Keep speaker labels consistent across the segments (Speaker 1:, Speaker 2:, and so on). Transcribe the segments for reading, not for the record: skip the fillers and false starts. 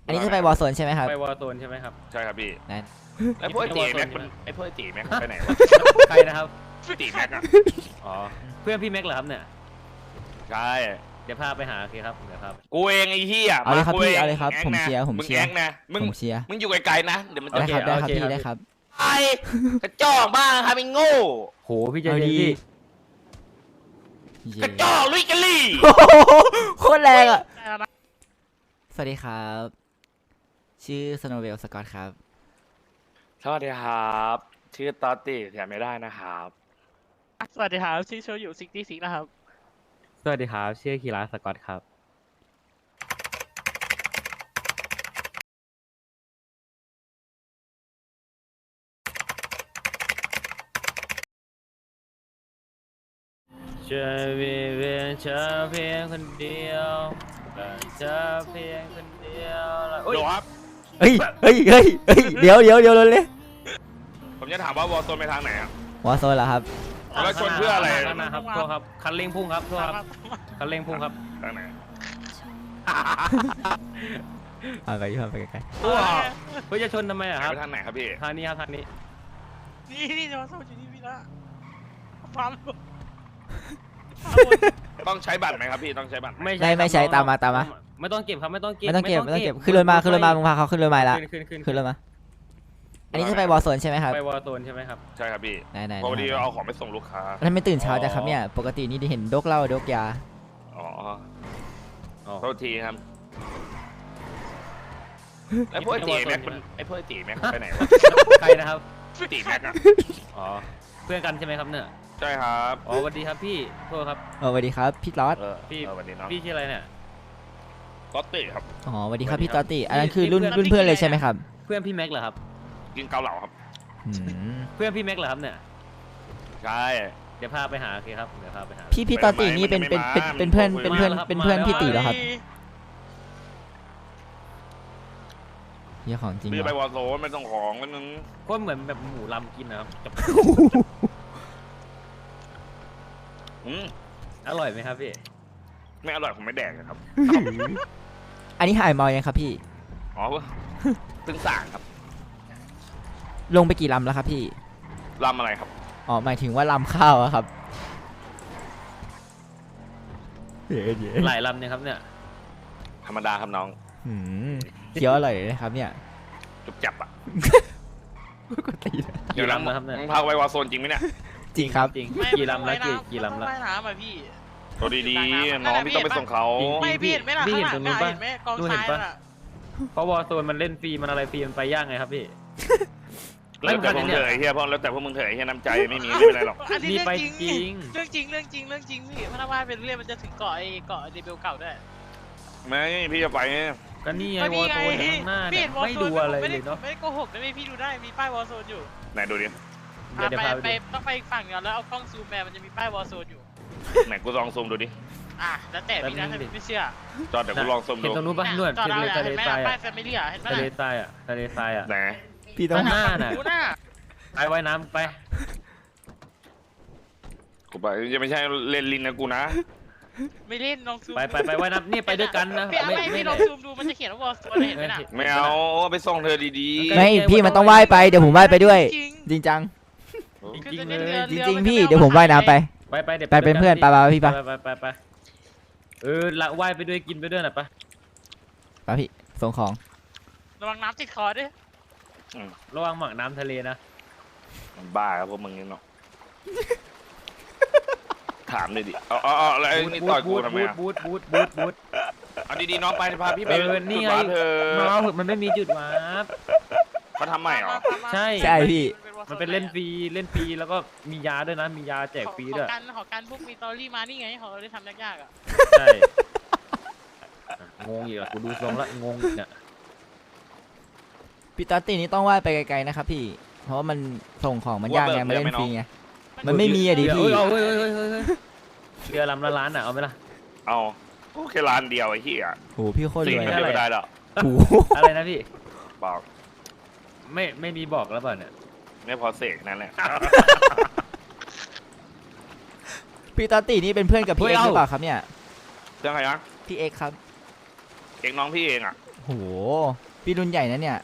Speaker 1: อันนี้จะไปวอลโซนใช่ไหมครับ
Speaker 2: ไปวอลโซนใช่ไหมครับ
Speaker 3: ใช่ครับพี่
Speaker 1: นั่น
Speaker 3: ไอ้พวกไอ้ตีแม็กมันไอ้พวกไอ้ตีแม็กไปไหนวะ
Speaker 2: ใครนะครับ
Speaker 3: ตีแม็กอะ
Speaker 2: อ๋อเพื่อนพี่แม็กเหรอครับเนี่ย
Speaker 3: ใช่
Speaker 2: เดี๋ยวพาไปหาโอเคครับเดี๋ยวครับ
Speaker 3: กูเองไอ้เหี้ย
Speaker 1: เอาเลยครับ
Speaker 3: กู
Speaker 1: พี่
Speaker 3: ง
Speaker 1: เอาเลยครับ
Speaker 3: แง
Speaker 1: ผม
Speaker 3: นะ
Speaker 1: เชียร์ผม
Speaker 3: มึง
Speaker 1: เชีย
Speaker 3: แอ
Speaker 1: ร์
Speaker 3: งนะมึง
Speaker 1: ผมเชียร์
Speaker 3: มึงอยู่ไกลๆนะเดี๋ยวมันจะ
Speaker 1: ได้
Speaker 3: เก
Speaker 1: ครับ
Speaker 3: ลียด
Speaker 1: ได้ครับ
Speaker 2: โอเค
Speaker 1: พี่
Speaker 2: ครับ
Speaker 1: ได้ครับ
Speaker 3: ไอ้กระจอกบ้างครับไอ้โง่
Speaker 2: โหพี่ใจ
Speaker 1: เอา
Speaker 2: เย็น
Speaker 1: ดี
Speaker 2: พี่
Speaker 3: กระจอกลุยกะลี่
Speaker 1: โอ้โหโคตรแรงอ่ะสวัสดีครับ ชื่อสโนเวลสกอตครับ
Speaker 3: สวัสดีครับชื่อตอตติแถมไม่ได้นะครับ
Speaker 4: สวัสดีครับชื่อโชยุ66นะครับ
Speaker 2: สวัสดีครับชื่อคีราสกอตครับจะมีเพียงเธอเพียงคนเดียวแต่เธอเพียงคนเดียวแล้ว
Speaker 3: โหลครับ
Speaker 1: เฮ้ยเดี๋ยวเลย
Speaker 3: ผมจะถามว่าวอลโซนไปทางไหนอะ
Speaker 1: วอลโซนเหรอครับ
Speaker 3: แล้วชนเพื่ออะไร
Speaker 2: ข้างหน้าครับโทษครับคันเร่งพุ่งครับโทษครับคันเร่งพุ่งครับ
Speaker 3: ทางไหน
Speaker 1: เอาไปไปไกล
Speaker 3: ว้าว
Speaker 2: เพื่อจะชนทำไมอะครับ
Speaker 3: ไปทางไหนครับพี่
Speaker 2: ทางนี้ครับทางนี้
Speaker 4: นี่จะมาสู้อยู่ที่พี่ละฟัง
Speaker 3: ต้องใช้บัตรไหมครับพี่ต้องใช้บัตรไหม
Speaker 1: ๆไม่ใช้ตามมา
Speaker 2: ไม่ต้องเก็บครับไม่ต้องเก็บ
Speaker 1: ไม่ต้องเก็บขึ้นรถมามึงพาเขาขึ้นรถมาละ
Speaker 2: ขึ้น
Speaker 1: ขึ้นรถมา อันนี้จะไปวอลโซนใช่ไหมครับ
Speaker 2: ไปวอลโซนใช่ไหมครับ
Speaker 3: ใช่ครับพี่
Speaker 1: ไหน
Speaker 3: พอดีเอาของไปส่งลูกค้า
Speaker 1: ท่านไม่ตื่นเช้าจ้ะครับเนี่ยปกตินี่ได้เห็นโดกเหล้าโดกยา
Speaker 3: อ๋อ
Speaker 2: อ๋อ
Speaker 3: โทษทีครับไอ้พวกไอ้ตีแม็กมันไอ้พวกไอ้ตีแม็กไปไหนวะ
Speaker 2: ใครนะครับ
Speaker 3: ตีแม็กอะ
Speaker 2: อ๋อเพื่อนกันใช่ไหมครับเนี่ย
Speaker 3: ใช่ครับ
Speaker 2: อ๋อสวัสดีครับพี่โทษครับ
Speaker 1: สวัสดีครับพี่ลอส
Speaker 2: พี่
Speaker 3: สวัสดีเนาะ
Speaker 2: พี่ชื่ออะไรเนี่ย
Speaker 3: ตอตติครับ
Speaker 1: อ๋อสวัสดีครับพี่ตอตติอันนั้นคือรุ่นเพื่อนเลยใช่ไหมครับ
Speaker 2: เพื่อนพี่แม็กเหรอครับ
Speaker 3: กินเกาเหลาครับ
Speaker 1: อืม
Speaker 2: เพื่อนพี่แม็กเหรอครับเนี่ย
Speaker 3: ใช่
Speaker 2: เดี๋ยวพาไปหาโอเคครับเดี๋ยวพาไปหา
Speaker 1: พี่ตอตตินี่เป็นเพื่อนพี่ตีเหรอครับเหี้ยของจริง
Speaker 3: พี่จะ
Speaker 1: เห
Speaker 3: ไป
Speaker 1: รอ
Speaker 3: วอลโซนไม่ต้องของนิดนึง
Speaker 2: โคตรเหมือนแบบหมูลำกินนะครับ
Speaker 3: อืม
Speaker 2: อร่อยไหมครับพี่
Speaker 3: ไม่อร่อยผมไม่แดกนะครับ
Speaker 1: อันนี้หายเมายังครับพี่
Speaker 3: อ๋อเพิ่งสั่งครับ
Speaker 1: ลงไปกี่ลำแล้วครับพี่
Speaker 3: รำอะไรครับ
Speaker 1: อ๋อหมายถึงว่าลำข้าวอะครับ
Speaker 2: หลายลำเนี่ยครับเนี่ย
Speaker 3: ธรรมดาครับน้อง
Speaker 1: อืมเคี้ยวอร่อยเลยนะครับเนี่ย
Speaker 3: จุบจับอ่ะ
Speaker 1: ปกตินะ
Speaker 2: กี่ลำนะครับเนี่ย
Speaker 3: มึงพาไปวอลโซนจริงไหมเนี่ย
Speaker 1: จริงครับ
Speaker 2: จริงกี่ลำแล้วกี่ลำแล้ว
Speaker 4: ว่ายน้ำอ่ะพี่
Speaker 3: ตัวดีๆน้องพี่ต้องไปส่งเขา
Speaker 2: จริง
Speaker 4: ไม่พี่เห็นไหมล่ะ
Speaker 2: พี่
Speaker 4: ข้าง
Speaker 2: เห็น
Speaker 4: หลั
Speaker 2: ตรง งนู้นปะ
Speaker 4: เห็นไหมกอง
Speaker 2: นู่นเห็
Speaker 4: ทราน ย
Speaker 2: ปะ
Speaker 4: น่ะ
Speaker 2: เพราะวอลโซนมันเล่นฟรีมันอะไรฟรีมันไปยากไงครับพี่
Speaker 3: แล้วแต่พวกมึงเถอะไอ้เฮียเพราะแล้วแต่พวกมึงเถอะไอ้เฮียน้ำใจไม่มีไม่เป็นไรหรอก
Speaker 4: อันนี้
Speaker 2: มีไป
Speaker 4: เรื่องจริงเรื่องจริงพี่พนักงานเป็นเรื่องมันจะถึงเกาะเดบิวเก่าด้วย
Speaker 3: ไม่พี่จะไป
Speaker 2: ก็นี่ไง
Speaker 4: ก็
Speaker 2: วอ
Speaker 4: นี่
Speaker 2: ล
Speaker 4: ไง
Speaker 2: โซนข้างหน้า
Speaker 4: พี่
Speaker 2: เนี่ย
Speaker 4: เห็นวอล
Speaker 2: ไม่
Speaker 4: โซ
Speaker 2: ดู
Speaker 4: น
Speaker 2: อะไร
Speaker 4: ไม่
Speaker 2: เล
Speaker 4: ได้
Speaker 2: ยเนาะ
Speaker 4: ไม่ได้โกหกนะพี่ดูได้มีป้ายวอลโซนอยู่
Speaker 3: ไหนดูดิ
Speaker 2: เดี๋ยวพาไป
Speaker 4: ไปต้องไปฝั่งก่อนแล้วเอากล้องซูมแมมันจะมีป้ายวอลโซนอยู่
Speaker 3: ไหนกูลองซูมดูดิ
Speaker 4: แล้วแต่พี่นะถ้าไม่เชื่อ
Speaker 3: จอดเดี๋ยวกูลองซูม
Speaker 2: เห็น
Speaker 3: ดู
Speaker 2: ตรงนู้นปะนู่น
Speaker 4: จอด
Speaker 2: ทะ
Speaker 4: เอา
Speaker 2: เล
Speaker 4: เห็นไหม
Speaker 2: ทราย
Speaker 4: ป้า
Speaker 2: อ่ะ
Speaker 4: ยแฟมิลี่เห็นไหม
Speaker 2: ทะเลทรายอ่ะทะเลทรายอ่ะ
Speaker 3: ไหน
Speaker 1: พี่ต้อง
Speaker 2: ข้างหน้าน่ะ
Speaker 4: ดูหน้า
Speaker 2: ไปว่ายน้ำไป
Speaker 3: กูไปจะไม่ใช่เล่นลินนะกูนะ
Speaker 4: ไม่เล่นลองซูม
Speaker 2: ไปว่ายน้ำนี่ไปด้วยกันนะ
Speaker 4: พี่เอา
Speaker 2: ไม่
Speaker 4: ไม่
Speaker 2: ไม่
Speaker 4: พี่ลองซูมดูมันจะเขียนว่าวอลโซนเห็นไหมน่ะ
Speaker 3: ไม่เอาไปส่งเธอดี
Speaker 1: ไม่พี่มันต้องว่ายไปเดี๋ยวผมว่ายไปด้วย จริงจัง
Speaker 3: ๆ
Speaker 2: จริงๆเลย
Speaker 1: จริงๆพี่เดี๋ยวผมว่ายน้ำไป
Speaker 2: ไปเดี๋ยว
Speaker 1: ไปเป็นเพื่อนไปพี่ปะ
Speaker 2: ไปละว่ายไปด้วยกินไปด้วยหน่อยปะ
Speaker 1: ไปพี่ส่งของ
Speaker 4: ระวังน้ำติดคอด้วย
Speaker 2: ระวังหมักน้ำทะเลนะ
Speaker 3: มันบ้าครับพวกมึงนี่เนาะถามเลยดิเอาอะไรนี่ต่อยกูทำไมอะ
Speaker 2: บูท
Speaker 3: เอาดีๆน้องไปพาพี่ไป
Speaker 2: นี่ไง
Speaker 3: เธอ
Speaker 2: มาเหอะมันไม่มีจุดวาร์ป
Speaker 3: เขาทำใหม่เหรอ
Speaker 2: ใช่
Speaker 1: ใช่พี่
Speaker 2: มันเป็นเล่นฟรีแล้วก็มียาด้วยนะมียาแจกฟรีด้วย
Speaker 4: ขอการพวกมีตอรี่มานี่ไงเขาได้ทำยากๆอ่ะ
Speaker 2: ใช่งงอีกอ่ะกูดูทรงละงงอีกเนี่ย
Speaker 1: พี่ตอตตินี่ต้องว่ายไปไกลๆนะครับพี่ เพราะว่ามันส่งของมันยากไงมันเล่นฟรีไง มันไม่มีอะดิพี่
Speaker 2: เฮ้ยเรือลำละล้านอ่ะเอาไหมล่ะ
Speaker 3: เอาโอเคร้านเดียวไอ้เหี้ย
Speaker 1: โหพี่โคตร
Speaker 3: สิ่ง
Speaker 1: รวย
Speaker 3: มัน
Speaker 2: อะ
Speaker 3: เดียวไม่ได้หรอก
Speaker 1: โห
Speaker 2: อะไรนะพี่
Speaker 3: บอก
Speaker 2: ไม่มีบอกแล้วเปล่าเนี่ย
Speaker 3: ไม่พอเสกนั่นแหละ
Speaker 1: พี่ตอตตินี่เป็นเพื่อนกับพี่เอ็กซ์หรือเปล่าครับเนี่ย
Speaker 3: เรื่องอะไรนะ
Speaker 1: พี่เอ็กซ์ครับ
Speaker 3: เองน้องพี่เองอ่ะ
Speaker 1: โหพี่รุ่นใหญ่นะเนี่ย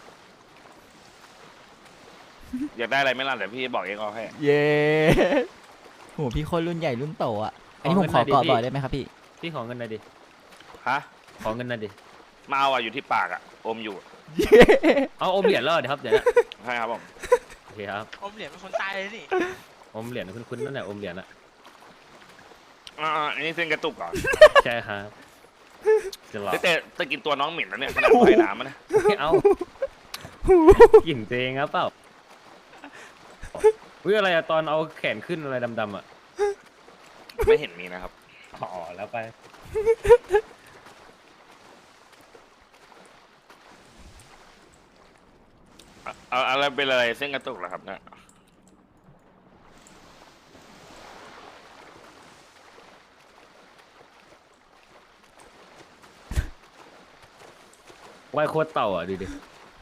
Speaker 3: อยากได้อะไรไหม่ล่ะเดี๋ยวพี่บอกเองเอาให้
Speaker 1: เย้โหพี่คนรุ่นใหญ่รุ่นโตอ่ะอันนี้ผมขอเกาะบ่อยได้ไหมครับพี่
Speaker 2: พี่ขอเงินหน่อยดิ
Speaker 3: ฮะ
Speaker 2: ขอเงินหน่อยดิ
Speaker 3: มาเอาอะอยู่ที่ปากอะอมอยู่
Speaker 2: เอาอมเหรียญแล้วเหรอเดี๋ยวครับเดี๋ยวนะ
Speaker 3: ใช่ครับผม
Speaker 2: โอเคครับ
Speaker 4: อมเหรียญเป็นคนตายเลยนี่
Speaker 2: อมเหรียญคุ้นๆนั่นแหละอมเหรียญอะ
Speaker 3: อันนี้เส้นกระตุกเหรอ
Speaker 2: ใช่ครับจะหลอก
Speaker 3: แต่ตะกินตัวน้องหมิ่นแล้วเนี่ยขนาดว่ายน้ำมันนะ
Speaker 2: ไม่เอากลิ่นตัวเองครับเปล่าอุ้ยอะไรอะตอนเอาแขนขึ้นอะไรดำๆอะ
Speaker 3: ไม่เห็นมีนะครับ
Speaker 2: อ๋อแล้วไป
Speaker 3: เอาอะไรเป็นอะไรเส้นกระตุกเหรอครับเนี่ย
Speaker 2: ว่ายโคตรเต่าอะดูดิ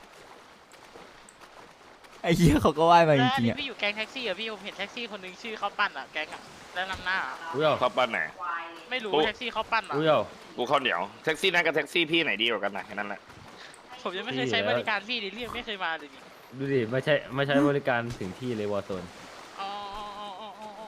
Speaker 1: ไอ้เหี้ยเขาก็ว่ายมาจ
Speaker 4: แล้วอัน
Speaker 1: ริงๆ
Speaker 4: นี้
Speaker 1: อ่ะ
Speaker 4: พี่อยู่แก๊งแท็กซี่อะพี่ผมเห็นแท็กซี่คนหนึงชื่อเขาปั้นอะแก๊งอะแล้วนำหน้าอะ
Speaker 2: อุ้ยเอา
Speaker 3: เข้าปั้นไหน
Speaker 4: ไม่รู้
Speaker 3: โอ้
Speaker 4: แท็กซี่เขาปั้นอะ
Speaker 2: อุ้ยเอา
Speaker 3: กูข้าวเหนียวแท็กซี่นั่นกับแท็กซี่พี่ไหนดีกว่ากันนะแค่นั้นแหละ
Speaker 4: ผมยังไม่เคยใช้บริการพี่ดิเรียกไม่เคยมาเลยนี่
Speaker 2: ดูดิไม่ใช้บริการถึงที่เลยวอร์โซน
Speaker 4: อ๋ออ๋ออ๋ออ๋ออ๋อ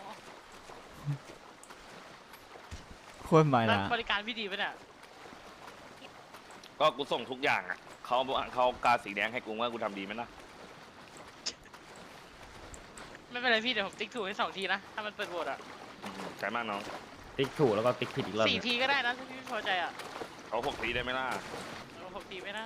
Speaker 1: โคตรมา
Speaker 4: แล้ว
Speaker 1: นะ
Speaker 4: บริการพี่ดีปะเนี่ย
Speaker 3: ก็กูส่งทุกอย่างอ่ะเขากาสีแดงให้กูว่ากูทำดีไหมนะ
Speaker 4: ไม่เป็นไรพี่เดี๋ยวผมติ๊กถูกให้2 ทีนะถ้ามันเปิดโหวตอะ
Speaker 3: ใช่มากน้อง
Speaker 2: ติ๊กถูกแล้วก็ติ๊กผิดอีกรอบหนึ่ง
Speaker 4: 4 ทีก็ได้นะถ้าพี่ไม่พอใจอะ
Speaker 3: เขา6 ทีได้ไหมล่ะ
Speaker 4: 6 ทีไม่ได้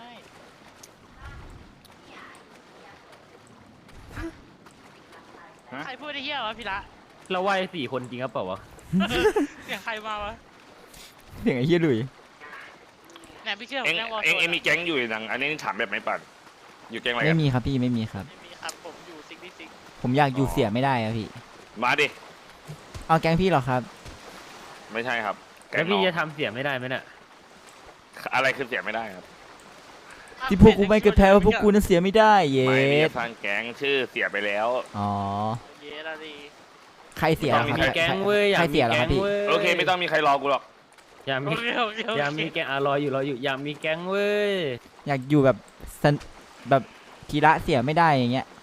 Speaker 3: ฮะ
Speaker 4: ใครพูดได้เหี้ยวะพี่ละ
Speaker 2: เราว่าย4 คนจริงครับเปล่าวะ
Speaker 4: เสียงใครมาวะ
Speaker 1: เสียงไอ้เหี้ยดุย
Speaker 4: เนี่ยพี่เชื่อผ
Speaker 3: เอ็
Speaker 4: ม
Speaker 3: ง
Speaker 4: แจ้งวอล
Speaker 3: เอ็ง
Speaker 4: โซน
Speaker 3: เอ็งมีแก๊งอยู่ดังอันนี้ถามแบบไม่ปัดอยู่แก๊งอะไร
Speaker 1: ไม่
Speaker 3: กัน
Speaker 1: มีครับพี่ไม่มีครับ
Speaker 4: ไม่มีครับผมอยู่ซิกซิก
Speaker 1: ผมอยากอยู่เสียไม่ได้ครับพี่
Speaker 3: มาดิ
Speaker 1: เอาแก๊งพี่เหรอครับ
Speaker 3: ไม่ใช่ครับแก๊
Speaker 2: แล้
Speaker 3: ง
Speaker 2: ว
Speaker 3: น้
Speaker 2: พี่
Speaker 3: อง
Speaker 2: จะทำเสียไม่ได้ไหมเนี่ย
Speaker 3: อะไรคือเสียไม่ได้ครับ
Speaker 1: ที่พวกกูไม่เคยแพ้ว่าพวกกูนั้นเสียไม่ได้เย้
Speaker 3: ไม่มีสร้างแก๊งชื่อเสียไปแล้ว
Speaker 1: อ๋อ
Speaker 4: เย้ละดี
Speaker 1: ใครเสีย
Speaker 2: อยา
Speaker 1: เหร
Speaker 2: ก
Speaker 1: อครับ
Speaker 2: มีแก๊งเว้ยอยา
Speaker 1: ใคร
Speaker 2: กมี
Speaker 1: เสียเหรอ
Speaker 2: แก๊
Speaker 1: ครับ
Speaker 2: ง
Speaker 1: พี่
Speaker 2: เว้ย
Speaker 3: โอเคไม่ต้องมีใครรอกูหรอก
Speaker 2: อยาก
Speaker 4: โอ
Speaker 2: มี
Speaker 4: เคโอเคโอ
Speaker 2: อยาก
Speaker 4: เค
Speaker 2: มีแก๊งรออยู่อยากมีแก๊งเว้ย
Speaker 1: อยากอยู่แบบแบบกีฬาเสียไม่ได้อย่างเงี้ย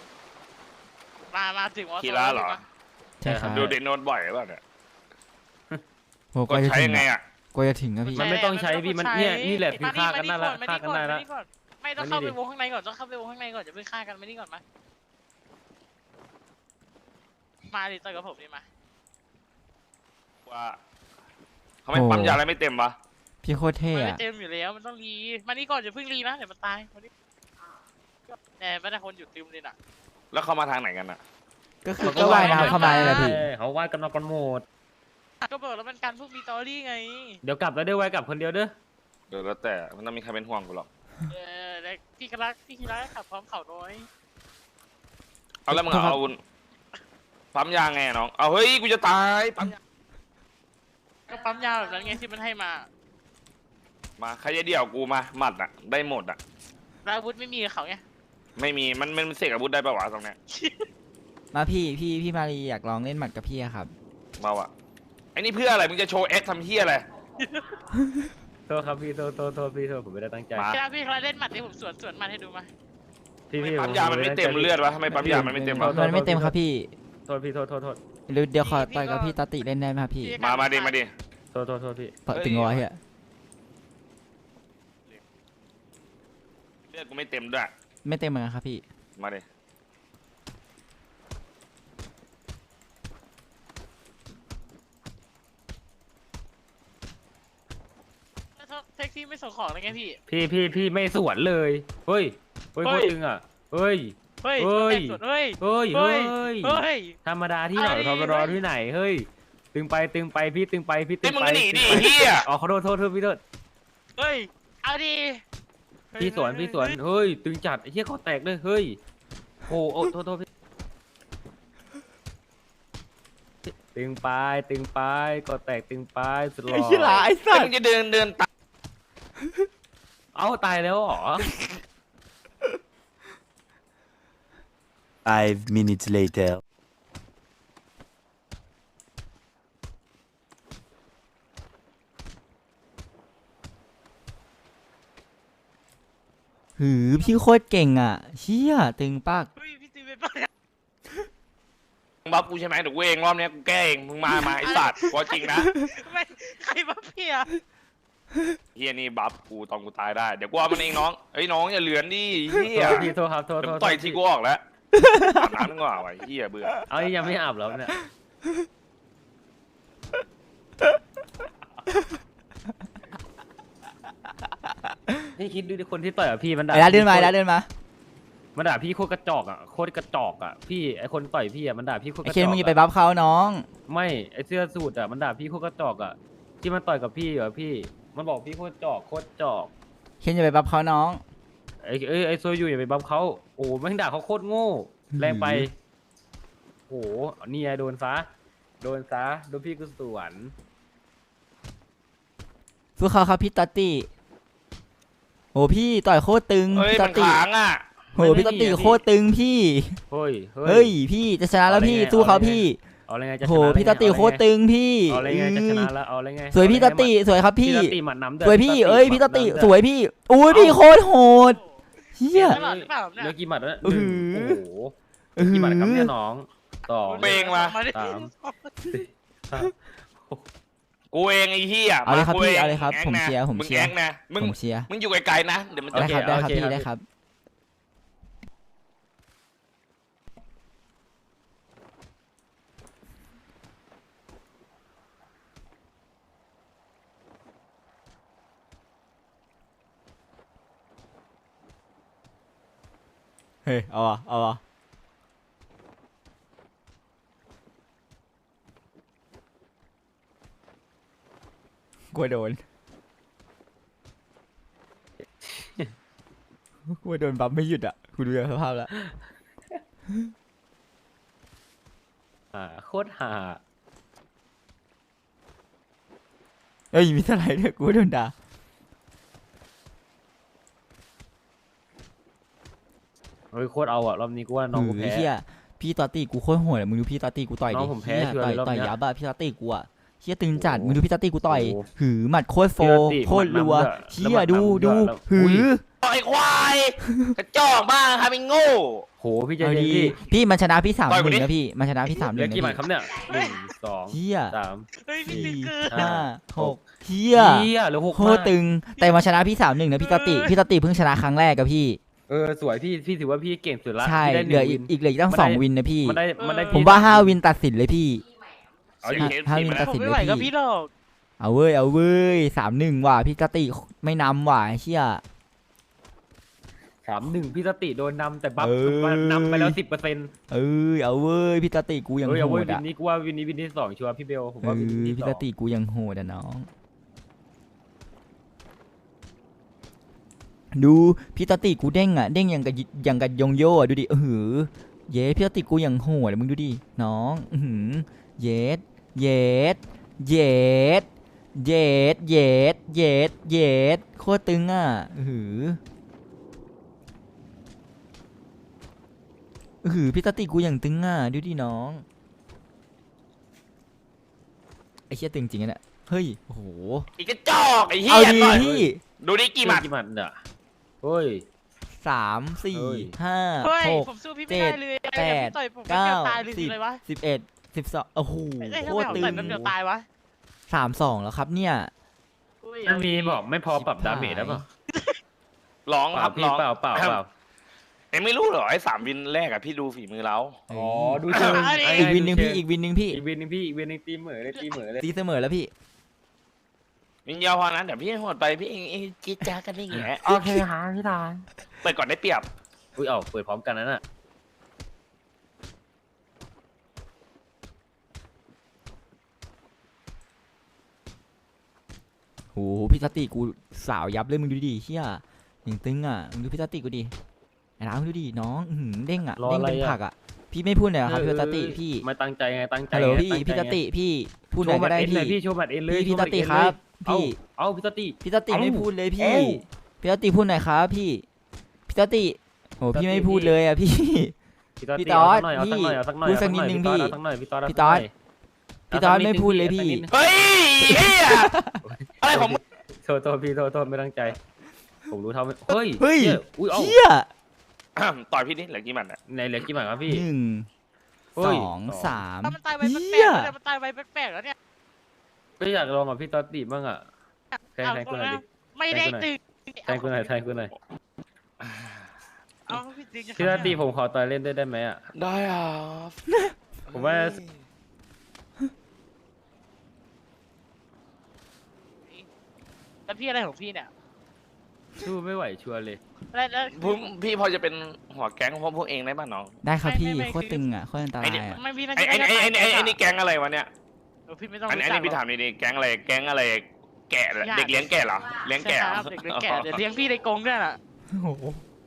Speaker 4: มาถึงวอลโซน
Speaker 3: คีระเหรอ
Speaker 1: ใช่ครับ
Speaker 3: ดูเดนโนดบ่อยหรือเปล่าเนี่ย
Speaker 1: โห
Speaker 3: กดใช้ยังไงอ่ะ
Speaker 1: กว่าจะถึงอะพี่
Speaker 2: มันไม่ต้องใช้พี่มันเนี่ยนี่แหละคือฆ่ากันได้ละ
Speaker 4: มา
Speaker 2: ฆ่ากันได้ละ
Speaker 4: ก่อนไม่ต้องเข้าไปวงข้างในก่อนต้องเข้าไปวงข้างในก่อนอย่าเพิ่งฆ่ากันไม่นี่ก่อนมาดิต่อยกับผมดิมา
Speaker 3: ว่าทำไมปั๊มยาอะไรไม่เต็มวะ
Speaker 1: พี่โคตรเท่
Speaker 4: มันไม่
Speaker 1: อะ
Speaker 4: เต็มอยู่แล้วมันต้องรีมานี่ก่อนอย่าเพิ่งรีนะเดี๋ยวมันตายมานี่แหน่ไม่ได้คนอยู่ติมเลยน่ะ
Speaker 3: แล้วเขามาทางไหนกันอ่ะ
Speaker 1: ก็คือก็ว่ายน้ำเข้ามาเลยแหละพี่
Speaker 2: เขาว่ายกันมากันหมด
Speaker 4: ก็บอกแล้วมันการพวกมีตอรี่ไง
Speaker 2: เดี๋ยวกลับแล้วเด้อว่ายกลับคนเดียวเด้อ
Speaker 3: เดี๋ยวแล้วแต่มันต้องมีใครเป็นห่วงกูหรอก
Speaker 4: แล้วพี่กรักขับพร้อมเขาน้อย
Speaker 3: เอาแล้วมึงเอาอาวุธปั๊มยาไงอะน้องเอาเฮ้ยกูจะตายปั๊มยา
Speaker 4: ก็ปั๊มยาแบบนั้นไงที่มันให้มา
Speaker 3: มาใครจะเดี่ยวกูมาหมัดอ่ะได้หมดอ่ะ
Speaker 4: แล้วอาวุธไม่มีกับเขาไง
Speaker 3: ไม่มีมันเสกอาวุธได้ปะวะตรงเนี้ย
Speaker 1: มาพี่มารีอยากลองเล่นหมัดกับพี่อะครับ
Speaker 3: มาวะไอ้นี่เพื่ออะไรมึงจะโชว์แอคทำเฮียอะไร
Speaker 2: โทษครับพี่โทษพี่โทษผมไม่ได้ตั้งใจ
Speaker 3: มา
Speaker 4: พี่กรักเล่นหมัดที่ผมสวนหมัดให้ดูมา
Speaker 2: พี่
Speaker 3: ทำไม
Speaker 2: พี่
Speaker 3: ปั๊มยามันไม่เต็มเลือดวะทำไมปั๊มยามันไม่เต็มวะ
Speaker 1: มันไม่เต็มครับพี่
Speaker 2: โทษพี่โทษ
Speaker 1: เดี๋ยวขอต่อยกับพี่ตาติเล่นได้ไหมครับพี่
Speaker 3: มาดิ
Speaker 2: โทษพี่
Speaker 1: เปิดถึงร้อยอะ
Speaker 3: เลือดกูไม่เต็มด้วย
Speaker 1: ไม่เต็มเหมือนกันครับพี่
Speaker 3: มาดิ
Speaker 4: แท็กซี่ไม่ส่งของเลยไงพี่
Speaker 2: พี่ไม่สวนเลยเฮ้ยโคตรตึงอ่ะเฮ้ย
Speaker 4: เฮ้ย
Speaker 2: เฮ้ย
Speaker 4: สวนเฮ้ย
Speaker 2: เฮ้ย
Speaker 4: เฮ้
Speaker 2: เฮ้
Speaker 4: ย
Speaker 2: ย
Speaker 4: เฮ้ย
Speaker 2: ธรรมดาที่ไหน
Speaker 4: อะไร
Speaker 2: ธรรมดาที่ไหนเฮ้ยตึงไปพี่ตึงไป
Speaker 3: เฮ้ยมึงก็หนีดิเฮีย
Speaker 2: อ๋อขอโทษพี่โทษ
Speaker 4: เฮ้ยเอาดิ
Speaker 2: พี่สวนเฮ้ยตึงจัดไอ้เหี้ยคอแตกเลยเฮ้ยโอ้โทษพี่ตึงไปกอแตกตึงไปสุดหล่
Speaker 1: ไอ้เหี้ยหลา
Speaker 2: อ
Speaker 1: ไอ้สั
Speaker 3: แล้ว
Speaker 1: ต
Speaker 3: มึ
Speaker 1: ว์
Speaker 3: งจะเดินตาม
Speaker 2: เอ้าตายแล้วเหรอ
Speaker 5: 5 minutes later.
Speaker 1: หือพี่โคตรเก่งอ่ะเชี่ยตึงปาก
Speaker 4: เฮ้ยพี่ตีเป็นปะ
Speaker 3: มึงบัฟกูใช่ไหมเดี๋ยวกูเองรอบเนี้ยกูแก้เองมึงมาไอ้สัตว์ว่าจริงนะ
Speaker 4: ไม่ใครมาเพีย
Speaker 3: เฮียนี่บัฟกูตอนกูตายได้เดี๋ยวกูเอามันเองน้องเฮ้ยน้องอย่าเลือนดิเฮีย
Speaker 2: พี่โทษครับโทษ
Speaker 3: เดี๋ยว
Speaker 2: โท
Speaker 3: กู
Speaker 2: ษ
Speaker 3: ต่อยทีกูออกแล้วอาบน้ำนึกว่าไว้เฮียเบื่อ
Speaker 2: เอายังไม่อาบแล้วเนี่ยพี่คิดดูดิคนที่ต่อยกับพี่มันด่า
Speaker 1: ไอ้ร้านเดินมาไอ้ร้านเดินมา
Speaker 2: มันด่าพี่โคตรกระจอกอ่ะโคตรกระจอกอ่ะพี่ไอคนต่อยพี่อ่ะมันด่าพี่โคตรก
Speaker 1: ไอ้
Speaker 2: ระจ
Speaker 1: เคน
Speaker 2: อก
Speaker 1: มึงอย่าไปบัฟเขาน้อง
Speaker 2: ไม่ไอเสื้อสูทอ่ะมันด่าพี่โคตรกระจอกอ่ะที่มันต่อยกับพี่เหรอพี่มันบอกพี่โคตรจอกโคตรจอก
Speaker 1: เคนอย่าไปบัฟเขาน้อง
Speaker 2: ไอโซยูอย่าไปบัฟเขาโอ้แม่งด่าเขาโคตรโง่แรงไปโอ้นี่ไงโดนซะโดนพี่กูสวน
Speaker 1: สู้เขาครับพี่ตัตตี้โหพี่ต่อยโคตรตึง
Speaker 3: เฮ้ย
Speaker 1: พี่
Speaker 3: มั
Speaker 1: ตั
Speaker 3: น
Speaker 1: ตตี้
Speaker 3: ค้างอ่ะ
Speaker 1: โหพี่ตัตตี้โคตรตึงพี่
Speaker 2: เฮ้ย
Speaker 1: เฮ้ยพี่จะชนะแล้วพี่สู้เขาพี่
Speaker 2: เอาอะไรไงจะช
Speaker 1: โห
Speaker 2: นะ
Speaker 1: พี่ตัตตี้โคตรตึงพี่
Speaker 2: เอาอะไรไงจะชนะแล้วเอาอะไรไง
Speaker 1: สวยพี่ตัตตี้สวยครับ
Speaker 2: พี่
Speaker 1: พี่
Speaker 2: ตัตตี้หมัดน้ำเดือด
Speaker 1: สวยพี่เอ้ยพี่ตัตตี้สวยพี่อุ้ยพี่โคตรโหดเฮีย
Speaker 4: ตลอดหรือเปล่าเนี่ย
Speaker 2: เลือกกี่หมัดแล้ว
Speaker 1: อื้
Speaker 2: ห
Speaker 1: อ
Speaker 2: นึ่ง
Speaker 1: หือ
Speaker 2: โอ้โหกี่หมัดครับเนี่ยน้องสอง
Speaker 3: เบงมา
Speaker 4: ดิ
Speaker 2: สาม
Speaker 3: กูเองไอ้เฮีย
Speaker 1: เอาเลยครับ
Speaker 3: กู
Speaker 1: พี่
Speaker 3: ง
Speaker 1: เอาเลยครับ
Speaker 3: แง
Speaker 1: ผม
Speaker 3: นะ
Speaker 1: เชียร์ผม
Speaker 3: มึง
Speaker 1: เชียร์
Speaker 3: แองนะมึง
Speaker 1: ผมเชียร์
Speaker 3: มึงอยู่ไกลๆนะเดี๋ยวมันจะ
Speaker 1: ได้ครับได้ครับพี่ได้ครับ เฮ้ยเอาอ่ะเอาอ่ะกลัวโดน กลัวโดนบัฟไม่หยุดอ่ะคุณดูสภาพแล้ว
Speaker 2: โคตรห่า
Speaker 1: เอ้ยมีเท่าไหร่เนี่ยกูโดนด่า
Speaker 2: เฮ้ยโคตรเอาอ่ะรอบนี้กูว่าน้องกู
Speaker 1: หื
Speaker 2: แพ้
Speaker 1: เฮียพี่ตอตตี้กูโคตรโหดอะมึงดูพี่ตอตตี้กูต่อย
Speaker 2: น้
Speaker 1: ดิ
Speaker 2: องผมแพ้
Speaker 1: เหี้ย
Speaker 2: ชัวร์
Speaker 1: ต่อย
Speaker 2: เลยรอบ
Speaker 1: ต่อย
Speaker 2: เนี้ย
Speaker 1: ยับอะพี่ตอตตี้กูอะเฮียตึงจัด
Speaker 2: โอ้โห
Speaker 1: มึงดูพี่ตอตตี้กูต่อย
Speaker 2: โอ้โห
Speaker 1: หือหมัดโคตรโฟ
Speaker 2: พี่ตอตตี้
Speaker 1: โคตรรัว
Speaker 2: หมัดน้ำด้วย
Speaker 1: เฮีย
Speaker 2: แล้วหมัด
Speaker 1: ดู
Speaker 2: น้ำด้วย
Speaker 1: ดู
Speaker 2: แล้ว
Speaker 1: หื
Speaker 2: อุ้
Speaker 1: อย
Speaker 3: ไอ้ควายกระจอกบ้างครับไอ้โง่
Speaker 2: โหพี่ใจ
Speaker 1: เอา
Speaker 2: เย็น
Speaker 1: ดี
Speaker 2: พี่
Speaker 1: พี่มันชนะพี่3-1
Speaker 3: ต่อยกูดิ
Speaker 1: นะพี่มันชนะพี่3-1
Speaker 2: เหลือ
Speaker 1: นะ
Speaker 2: กี่หมัด
Speaker 1: พี่
Speaker 2: ครับเนี่ยหนึ่งสอง
Speaker 1: เฮีย
Speaker 2: สาม
Speaker 4: เฮ้ยพี่
Speaker 1: สี่
Speaker 4: ตีเกิน
Speaker 1: ห้าหกเฮี
Speaker 2: เฮี
Speaker 1: ย
Speaker 2: ยเหลือหก
Speaker 1: โคตรตึงแต่มันชนะพี่3-1นะพี่ตอตตี้พี่ตอตตี้เพิ่งชนะครั้งแรกกับพี่
Speaker 2: สวยพี่ถือว่าพี่เก่งสุดละ
Speaker 1: ใช่
Speaker 2: พี่ได้
Speaker 1: เหลือ
Speaker 2: 1
Speaker 1: อีกเหลืออีกตั้ง
Speaker 2: มันได้
Speaker 1: 2 วินนะพี่
Speaker 2: มันได้
Speaker 1: ผม
Speaker 2: พี่
Speaker 1: ว่า5 วินตัดสินเลยพี่
Speaker 2: เอาดิ
Speaker 1: ถ้ามีตัด
Speaker 4: ผ
Speaker 1: สิ
Speaker 4: ม
Speaker 1: น
Speaker 4: ไม่
Speaker 1: เลย
Speaker 4: ไหวกับ
Speaker 1: พี่
Speaker 4: พี่หรอก
Speaker 1: เอาเว้ย3-1ว่ะพี่ตอตตี้ไม่นำว่ะเชี่ย
Speaker 2: 3-1พี่สติโดนนำแต่บัฟ
Speaker 1: เอ้ย
Speaker 2: นำไปแล้ว 10%
Speaker 1: เอาเว้ยพี่ตาติกูยัง
Speaker 2: เอา
Speaker 1: โห
Speaker 2: เว้ย
Speaker 1: ด
Speaker 2: วิน
Speaker 1: อ่ะ
Speaker 2: นี้กูว่าวินนี้วินที่สองชัวร์พี่เบลผมว่าวินที่
Speaker 1: พี่
Speaker 2: สอ
Speaker 1: ตาง ติกูยังโหดอ่ะน้อง ดูพี่ตาติกูเด้งอ่ะเด้งอย่างกับยงโย่อะดูดิเย้พี่ตาติกูยังโหดอะมึงดูดิน้องเย็ดเย็ดเย็ดเย็ดเย็ดเย็ดเย็ดโคตรตึงอ่ะพี่ตาติกูอย่างตึงอ่ะดูดิน้องไอ้เชี่ยตึงจริงอ่ะเนี่ยเฮ้ยโอ้โห
Speaker 3: ไอ้กระจอกไอ้เฮี
Speaker 1: เอา
Speaker 3: ย
Speaker 1: ดี
Speaker 3: ต่อย
Speaker 1: พี่
Speaker 3: ดูดิกี่หมัด
Speaker 2: กี่หมัดเนี่ยเฮ้ย
Speaker 1: 3
Speaker 2: เฮ้ย
Speaker 1: 4 5
Speaker 4: เฮ้ย
Speaker 1: 6
Speaker 4: ผมสู้พี่ไม่ได้เลย
Speaker 1: แปด
Speaker 4: พี่ต่อยผมไม่
Speaker 1: เก้า
Speaker 4: เกี่ยวตายเลย
Speaker 1: สิบ
Speaker 4: เลยวะ
Speaker 1: 11 12โอ้โห
Speaker 4: เอ้ย
Speaker 1: โค
Speaker 4: ทำไม
Speaker 1: ตร
Speaker 4: ผม
Speaker 1: ตึง
Speaker 4: ต่อยแป๊บเดียวตายวะ
Speaker 1: 3-2แล้วครับเนี่ย
Speaker 4: อุ้ย
Speaker 2: มันมีบอกไม่พอปรับดาเมจได้ป่ะ
Speaker 3: ร้อง
Speaker 2: เป
Speaker 3: ค
Speaker 2: ล่า
Speaker 3: รับ
Speaker 2: พี่
Speaker 3: ร้อง
Speaker 2: เปล่าเปล่า
Speaker 3: เอ็งไม่รู้เหรอไอ้3 วินแรกอะพี่ดูฝีมือเรา
Speaker 2: อ๋อดูเชิง
Speaker 1: อีกวินหนึ่งพี่อีกวินหนึ่งพี่
Speaker 2: อีกวินหนึ่งพี่อีกวินหนึ่งตีเหมือเลยตีเหมือเลย
Speaker 1: ตีเสมอแล้วพี่
Speaker 3: วินเดียวพอนั้นเดี๋ยวพี่หมดไปพี่เองจี๊ดจ้ากันได้ไง
Speaker 2: โอเคฮะพี่ตา
Speaker 3: เปิดก่อนได้เปรียบ
Speaker 2: อุ้ยเอาเปิดพร้อมกันนั่นน่ะ
Speaker 1: โหพี่ตาติกูสาวยับเลยมึงดูดิเฮียอย่างตึงอ่ะมึงดูพี่ตาติกูดิไอ้น้ามึงดูดิน้องเด้งอ่ะเด้งเป็นผักอ่ะพี่ไม่พูดเลยเหรอครับพี่ตาติพี่
Speaker 2: ไม่ตั้งใจไงตั้งใจ
Speaker 1: ฮัลโหลพี่
Speaker 2: ตั้งใจ
Speaker 1: พี่ตาติพี่พูดห
Speaker 2: โช
Speaker 1: น่อย
Speaker 2: ว์
Speaker 1: ก็
Speaker 2: บัตร
Speaker 1: ได้
Speaker 2: เอ็นเลย
Speaker 1: พี่
Speaker 2: พี่โชว์บัตรเอ็นเลย
Speaker 1: พี่ตาติครับพี่
Speaker 2: เอาพี่ตาติ
Speaker 1: พี่ตาติ
Speaker 2: เอ้า
Speaker 1: ไม่พูดเลยพี่
Speaker 2: เอ้า
Speaker 1: พี่ตาติพูดหน่อยครับพี่พี่ตาติโหพี่ไม่พูดเลยอ่ะพี่ พี่ตอด
Speaker 2: เอาสักหน่อยเอาสักหน่อย
Speaker 1: พูดสักนิดนึงพี่
Speaker 2: เอาสักหน่อยพี่ตอด
Speaker 1: พี่ตอด พี่ตอดไม่พูดเลยพี่
Speaker 3: เฮ้ยเฮียอะไรของมึง
Speaker 2: โทษพี่โทษไม่ตั้งใจผมรู้เท่าไม่เฮ้ย
Speaker 1: เฮ้ย
Speaker 2: หี้อุ้ยเอ้า
Speaker 1: เฮีย
Speaker 3: ต่อยพี่นี่เหลือกี่หมัดอ่ะ
Speaker 2: ในเหลือกี่หมัดครับพี่
Speaker 1: หนึ่ง
Speaker 2: เฮ้
Speaker 1: ส
Speaker 2: ย
Speaker 1: องสาม
Speaker 4: ถ้ามันตายไว
Speaker 1: เฮี
Speaker 4: แปล
Speaker 1: ย
Speaker 4: กๆแล้วเนี่ยมันตายไวแปลกๆแล้วเนี่ย
Speaker 2: ก็อยากลองกับพี่ตอตติบ้างอ่ะแทงกูหน่อยดิ
Speaker 4: ไม่ได้ตึง
Speaker 2: แทงกูหน่อยแทงกูหน่อย
Speaker 4: เอาพี่ตึงจะ
Speaker 2: พี่ตอตติผมขอต่อยเล่นด้วยได้ไหมอ่ะ
Speaker 3: ได้อ่ะ
Speaker 2: ผมว่า
Speaker 4: แล้วพี่อะไรของพี่เนี่ย
Speaker 2: สู้ไม่ไหวชัวร์เลย
Speaker 4: แล้ว
Speaker 3: พี่พอจะเป็นหัวแก๊งของพวกเองได้ป่ะน้อง
Speaker 1: ได้ครับพี่
Speaker 4: ไม่
Speaker 1: โคตรตึงอ่ะโคตรอันตรายอ่ะ
Speaker 4: ไม่พี่น่า
Speaker 3: ไอ้
Speaker 4: จะ
Speaker 3: ไอ้นี่แก๊งอะไรวะเนี่ย
Speaker 4: พี่ไม่ต้อง
Speaker 3: อันนี้พี่ถามดีๆแก๊งอะไรแก๊งอะไรแกะเหรอเด็กเลี้ยงแกะเหรอเลี้ยงแกะเหรอ
Speaker 4: เด็กเลี้ยงแกะเดี๋ยวเลี้ยงพี่ในกรงด้วยน่ะ
Speaker 1: โอ้โห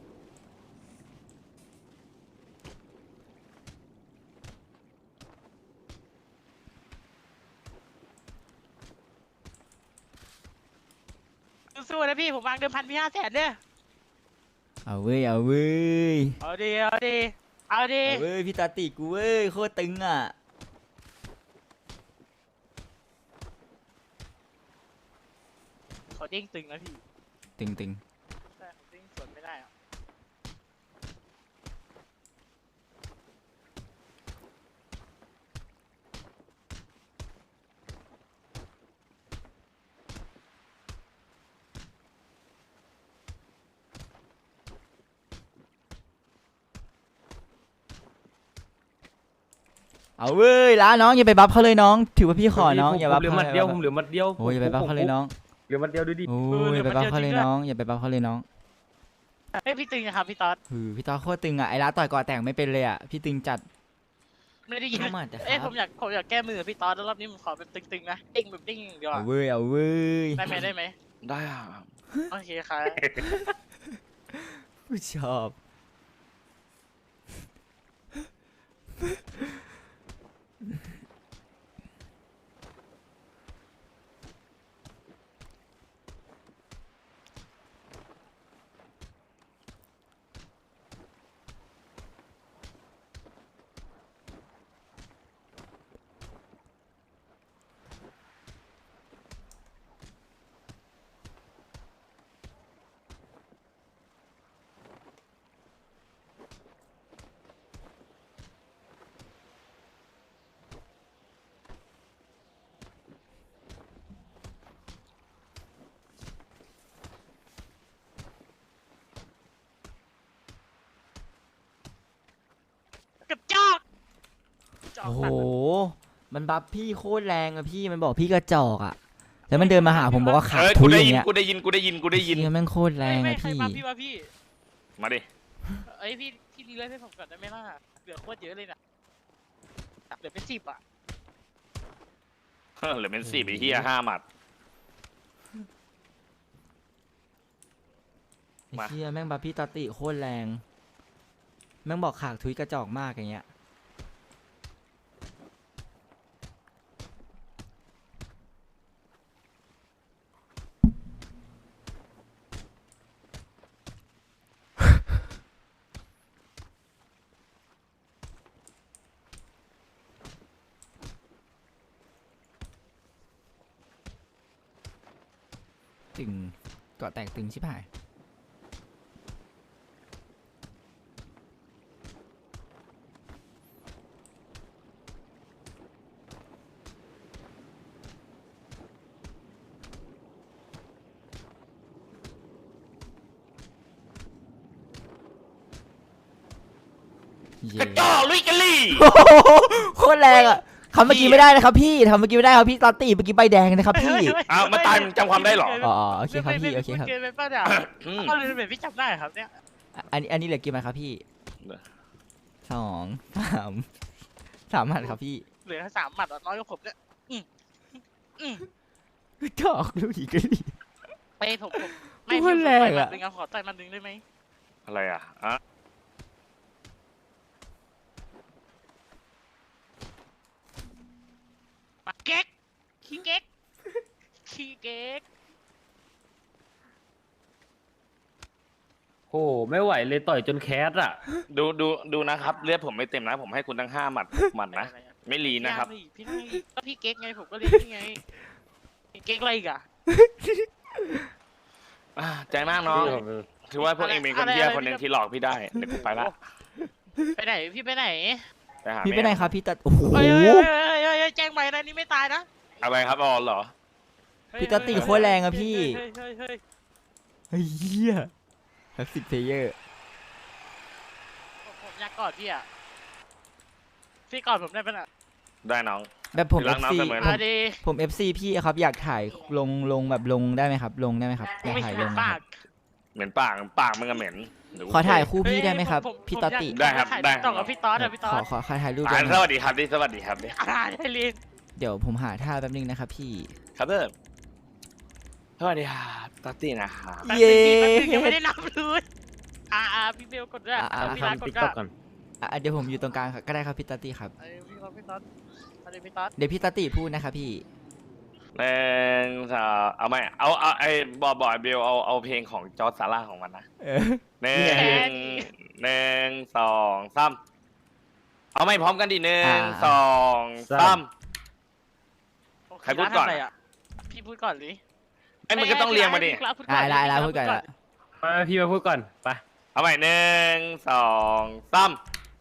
Speaker 4: สู้ๆนะพี่ผมวางเดิมพันพี่500,000เนี่ย
Speaker 1: เอาเว้ยเอาเว้ย
Speaker 4: เอาดีเอาดีเอาดี
Speaker 1: เอาเว้ยพี่ตาติกูเว้ยโคตรตึงอ่ะ
Speaker 4: เขาเด้งตึงนะพี่
Speaker 1: ตึงตึง
Speaker 4: แต่เขาเด้งสวนไม่ได้อะ
Speaker 1: เอาเว้ยล้าน้องอย่าไปบัฟเขาเลยน้อง ถือว่าพี่ขอน้องอย่าบัฟ
Speaker 2: เหลือ
Speaker 1: เขา
Speaker 2: หมัดเดียวผม
Speaker 1: เลย
Speaker 2: เหลือหมัดเดียว
Speaker 1: โอ้ยอย่าไปบัฟเขาเลยน้อง
Speaker 2: เหลือหมัดเดียวดูดิ
Speaker 1: โอ้ยอย่าไปบัฟเขาเลยน้องอย่าไปบัฟเขาเลยน้อง
Speaker 4: เฮ้ยพี่ตึงนะครับพี่ต๊อด
Speaker 1: พี่ตาโคตรตึงอ่ะไอ้ล้าต่อยก่อแต่งไม่เป็นเลยอ่ะพี่ตึงจัด
Speaker 4: ไม่ได้ยิน
Speaker 1: เข้ามาแต่ค
Speaker 4: เอ้ย
Speaker 1: รับ
Speaker 4: ผมอยากแก้มือกับพี่ต๊อดแล้วรอบนี้ผมขอเป็นตึงๆนะเด้งแบบเด้งอย่างเดียว
Speaker 1: เอา
Speaker 4: อะ
Speaker 1: เว้ยเอาเว้ย
Speaker 4: ได้ไหมได้ไหม
Speaker 3: ได้อ่ะ
Speaker 4: โอเคครับ
Speaker 1: ผู้ชอบ
Speaker 4: กระจอกกระจอก
Speaker 1: โอ้โห
Speaker 4: มาก
Speaker 1: มันบัฟพี่โคตรแรงอะพี่มันบอกพี่กระจอกอะแล้วมันเดินมาหาผมบอกว่าขา
Speaker 3: เออ
Speaker 1: ทุ
Speaker 3: กู
Speaker 1: ย
Speaker 3: ได้
Speaker 1: อย่าง
Speaker 3: ยิน
Speaker 1: เงี้ย
Speaker 3: กูได้ยินกูได้ยินกูได้ยิน
Speaker 1: เชี่ยแม่งโคตรแรง
Speaker 4: ไม่
Speaker 1: อะ
Speaker 4: ใคร
Speaker 1: พี่
Speaker 4: มาพี่มาพี่
Speaker 3: มาดิ
Speaker 4: เอ้ยพี่ดีเลยให้ผมก่อนได้ไหมล่ะเหลือโคตรเยอะเลยน่ะเหลือเป็น10อ่ะ
Speaker 3: เหลือเป็น4ไอ้เหี้ย5หมัด
Speaker 1: ไอ้
Speaker 3: มา
Speaker 1: เชี่ยแม่งบัฟพี่ตาติโคตรแรงแม่งบอกขากทุยกระจอกมากอย่างเงี้ยตึงเกาะแตกตึงชิบหาย
Speaker 3: กระจอกลุยกะลี่
Speaker 1: โอ้โหโคตรแรงอ่ะทำเมื่อกี้ไม่ได้นะครับพี่ทำเมื่อกี้ไม่ได้ครับพี่ตาติเมื่อกี้ใบแดงนะครับพี่
Speaker 3: อ้าวมาตายมึงจำความได้เหรอ
Speaker 1: อ๋อโอเคครับพี่โอเคครับ
Speaker 4: เกินไปป่ะเนี่ย
Speaker 3: อืม
Speaker 4: เอาเลยเป็นพี่จำได้ครับเนี่ย
Speaker 1: อันนี้เหลือกี่มันครับพี่
Speaker 3: เหลือ
Speaker 1: สองสามมันครับพี่
Speaker 4: เหลือ3 หมัดอะน้อยกว่าผมเนี่ยอืม
Speaker 1: จอกลูกอีกก็ดี
Speaker 4: ไปผมไม่
Speaker 1: โค
Speaker 4: พี่
Speaker 1: ตรแรง
Speaker 4: ต่อยหมั
Speaker 1: อะ
Speaker 4: ดหนึ่งเอาขอต่อยหมัดหนึ่งได้ไหม
Speaker 3: อะไรอ่ะอ่ะ
Speaker 4: มาเก๊กขี้เก๊กขี้เก๊ก
Speaker 2: โอ้ไม่ไหวเลยต่อยจนแคสอ่ะ
Speaker 3: ดูนะครับเลือดผมไม่เต็มนะผมให้คุณทั้ง5หมัดนะไม่รีนะครับ
Speaker 4: พี่ให้ก็พี่เก๊กไงผมก็เลี้ยงพี่ไงเก๊กอะไรอีกอะ
Speaker 3: ใจมากน้อง
Speaker 2: พี่ผม
Speaker 3: ถือว่าพวกเองเป็นคนเที่ยคนหนึ่งที่หลอกพี่ได้เดี๋ยวกูไปละ
Speaker 4: ไปไหนพี่ไปไหน
Speaker 3: ไปหา
Speaker 1: พี่ไป
Speaker 3: แม่
Speaker 1: ไหนครับพี่ตัดโอ้โห
Speaker 4: เฮ้ยเฮ้ยเฮ้ยเฮ้ยแจ้งไปนะนี่ไม่ตายนะ
Speaker 3: อะไรครับอ๋อเหรอ
Speaker 4: เฮ้ย
Speaker 1: พี่ตัดตีโคตรแรงอะพี่
Speaker 4: เฮ้ยเฮ้ยเฮ้ย
Speaker 1: เฮ้ยเหี้ยแท็กซี่เพลเยอร์
Speaker 4: ผมอยากกอดพี่อะพี่กอดผมได้ปะน่ะ
Speaker 3: ได้น้อง
Speaker 1: แบบผม
Speaker 3: รักน้อง
Speaker 1: FC
Speaker 3: เสมอ
Speaker 4: มาดี
Speaker 1: ผม FC พี่ครับอยากถ่ายลงแบบลงได้ไหมครับ ลงได้ไหมครับอยาก
Speaker 4: ไม่
Speaker 1: ถ่าย
Speaker 4: ใช่
Speaker 1: ลง
Speaker 4: ปาก
Speaker 3: เหม็นปากมึงอะเหม็นเดี๋วกู
Speaker 1: ขอถ่ายคู่พี่ได้ไหมครับ
Speaker 4: ผม
Speaker 1: พี่ตอตติ
Speaker 3: ได้ครับได้
Speaker 4: ต้องกับพี่ต๊อดอะพี่ต๊อด
Speaker 1: ขอถ่ายรูป
Speaker 3: อ่า
Speaker 1: ได้ไหม
Speaker 3: สวัสดีครับดิสวัสดีครับดิ
Speaker 4: ได้ลิน
Speaker 1: เดี๋ยวผมหาท่าแป๊บนึงนะครับพี่
Speaker 3: ครับเด้อสวัสดีครับตอตตี้นะครับ
Speaker 4: แป๊บ
Speaker 1: เย้
Speaker 4: นึงพี่แป๊บนึงยังไม่ได้นับเลยพี่เบลกดด้วย พี่รัก
Speaker 2: ทำ
Speaker 4: ก
Speaker 2: ติ๊
Speaker 4: ด
Speaker 2: ก
Speaker 4: ด้
Speaker 2: ต็
Speaker 4: ว
Speaker 2: อก
Speaker 4: ย
Speaker 2: ก่อน
Speaker 1: เดี๋ยวผมอยู่ตรงกลางก็ได้ครับพี่ตอตติครับ
Speaker 4: พี่รักพี่ต๊อดอะไรพี่ต๊อด
Speaker 1: เดี๋ยวพี่ตอตติพูดนะครับพี่
Speaker 3: หนึ่งสองเอาไหมเอาไอ้บอยเบลเอาเพลงของจอร์จซาร่าของมันนะ
Speaker 1: เออ
Speaker 3: หนึ่งสองสามเอาไม่พร้อมกันดิหนึ่งสองสาม ใครพูดก่อน
Speaker 4: ทำะไระพี่พูดก่อนดิ
Speaker 3: ไอ้มึงก็ต้องเรียงมาดิ
Speaker 4: พี่รักพูดก่อน
Speaker 1: ลาพูดก่อนละ
Speaker 2: มาพี่มาพูดก่อนไป
Speaker 3: เอาใหม่หนึ่งสองสาม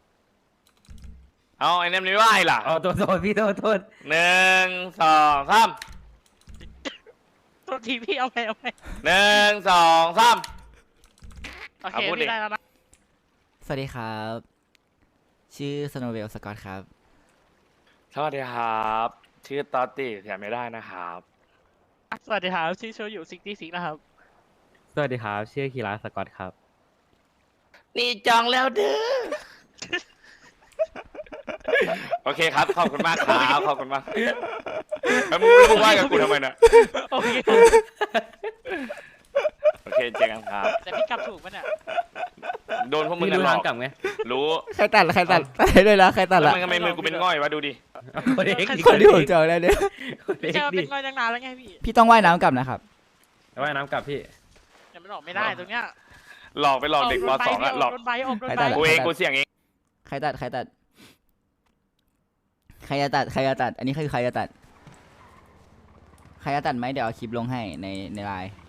Speaker 3: เอาไอ้นั่นไม่ไหวล่ะ
Speaker 2: เอาโทษพี่โทษ
Speaker 3: หนึ่งสองสาม
Speaker 4: ตัวทีพี่เอาไป
Speaker 3: หนึ่งสองสาม
Speaker 4: โอเค
Speaker 3: เอาพูดดิ
Speaker 4: พี่ได้แล้วนะ
Speaker 1: สวัสดีครับ ชื่อสโนว์เวลสกอตครับ
Speaker 3: สวัสดีครับ ชื่อตอตติเสียไม่ได้นะครับ
Speaker 4: สวัสดีครับชื่อโชยุ66นะครับ
Speaker 2: สวัสดีครับชื่อคีราสกอตครับ
Speaker 3: นี่จองแล้วเด้อ โอเคครับ ขอบคุณมากครับ ขอบคุณมากแล้วมึงว่ากับกูทำไมน่ะ
Speaker 4: โอเค
Speaker 3: โอเคเจอกันครับ
Speaker 4: แต่พี่กลับถูกปะเนี่ย
Speaker 3: โดนพวกมึง
Speaker 2: พี่
Speaker 3: กัน
Speaker 2: รู้
Speaker 3: หล
Speaker 2: ทา
Speaker 3: อง ก
Speaker 2: กลับไง
Speaker 3: รู้
Speaker 1: ใครตัดเลยละใครตัด
Speaker 3: แล้ว
Speaker 1: ละ
Speaker 3: มึงทำไมมือกูเป็นง่อยวะดูดิ
Speaker 2: คนเด็ก
Speaker 1: คนที่ผมเจอแล้วเนี่ย
Speaker 4: เจอเป็นงอยตั้งนานแล้วไงพี่
Speaker 1: พี่ต้องว่ายน้ำกลับนะครับ
Speaker 2: ว่ายน้ำกลับพี่
Speaker 4: ยังไม่ออกไม่ได้ตรงเนี้ย
Speaker 3: หลอกไปหลอกเด็กป .2 อะหลอก
Speaker 4: โดนใบออกโดน
Speaker 1: ใคร
Speaker 4: ใบ
Speaker 1: ตัด
Speaker 3: กูเองกูเสี่ยงเอง
Speaker 1: ใครตัด ใครจะตัด อันนี้คือใครจะตัด ใครจะตัดไหมเดี๋ยวเอาคลิปลงให้ในไลน์